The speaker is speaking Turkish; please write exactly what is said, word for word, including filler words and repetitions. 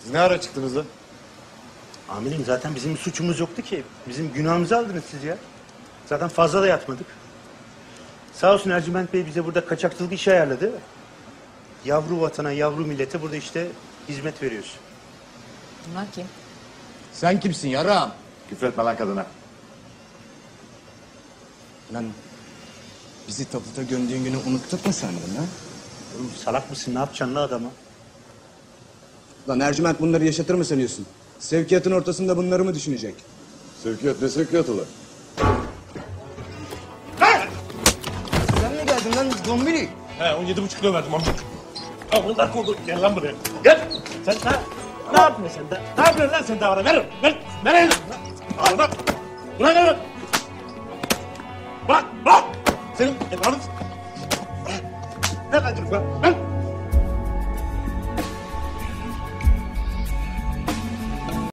Siz ne ara çıktınız da? Amirim zaten bizim bir suçumuz yoktu ki. Bizim günahımızı aldınız siz ya. Zaten fazla da yatmadık. Sağ olsun Ercüment Bey bize burada kaçakçılık işi ayarladı. Yavru vatana, yavru millete burada işte hizmet veriyoruz. Bunlar kim? Sen kimsin yarağım? Küfretme lan kadına. Lan bizi taputa gömdüğün günü unuttuk mu sandın ha? Oğlum salak mısın? Ne yapacaksın la adama? Lan Ercüment bunları yaşatır mı sanıyorsun? Sevkiyatın ortasında bunları mı düşünecek? Sevkiyat ne sevkiyatı lan? Sen mi geldin lan dombili? He on yedi buçuk kilo verdim amcık. Amına koydum. Gel lan buraya. Gel. Sen ne, ne yapıyorsun sen de? Ne yapıyorsun lan sen de bana? Ver. Ver. Ver elini. Al bak. Bırak elini. Bak. Bak. Senin evladın. Ne kadar lan? Ver.